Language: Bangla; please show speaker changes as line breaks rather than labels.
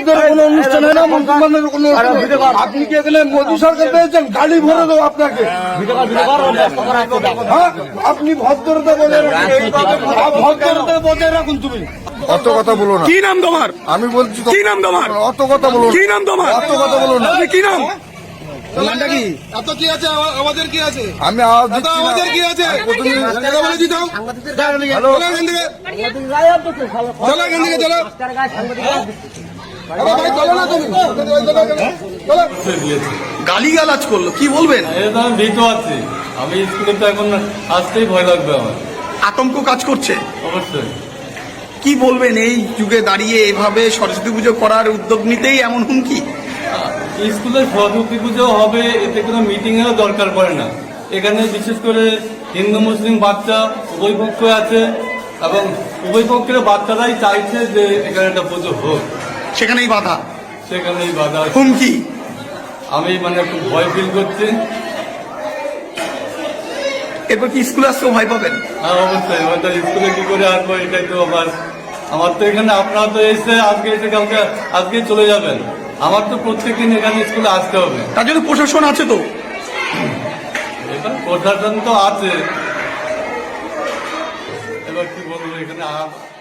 মসজিদের কোনো অনুষ্ঠান হয় না, মুসলমানের কোনো আপনি কি এখানে মোদী সরকার পেয়েছেন? গাড়ি ভরে দেবো আপনাকে। হ্যাঁ, আপনি ভদ্রতা বজায় রাখুন, ভদ্রতা বজায় রাখুন। তুমি
অত কথা বলো না।
কি নাম তোমার?
আমি বলছি
কি নাম তোমার?
অত কথা বলো না।
কি নাম তোমার?
অত কথা বলো না।
কি নাম?
নামটা কি? এত কি আছে? আমাদের কি আছে?
আমি আওয়াজ দিচ্ছি না।
আমাদের কি আছে? কথা বলে দিতাম।
হ্যালো,
চলো এখান থেকে, চলো এখান থেকে, চলো। আরে ভাই চলো না তুমি, চলো।
গালিগালাজ করলো, কি বলবেন?
এটা আমি ভীত আছি। আমি স্কুলে তো এখন আসতেই ভয় লাগবে আমার।
আতঙ্ক কাজ করছে।
অবশ্যই।
কি বলবেন এই যুগে দাঁড়িয়ে এভাবে সরস্বতী পুজো করার উদ্যোগ নিতেই এমন হুমকি?
স্কুলে সরস্বতী পুজো হবে, এতে কোনো মিটিং এরও দরকার পড়ে না। এখানে বিশেষ করে হিন্দু মুসলিম বাচ্চা উভয় পক্ষ আছে এবং উভয় পক্ষের বাচ্চারাই চাইছে যে এখানে একটা পুজো হোক,
সেখানেই বাধা,
সেখানেই বাধা।
হুমকি।
আমি মানে খুব ভয় ফিল করছি।
এরপর কি স্কুলে আসতেও ভয় পাবেন?
হ্যাঁ অবশ্যই, এবার তো স্কুলে কি করে আসবো এটাই তো আমার তো এখানে আপনারা তো এসে আজকে এসে কালকে আজকেই চলে যাবেন। আমার তো প্রত্যেকদিন এখানে স্কুলে আসতে হবে।
তার জন্য প্রশাসন আছে তো?
এবার প্রশাসন তো আছে, এবার কি বলবো এখানে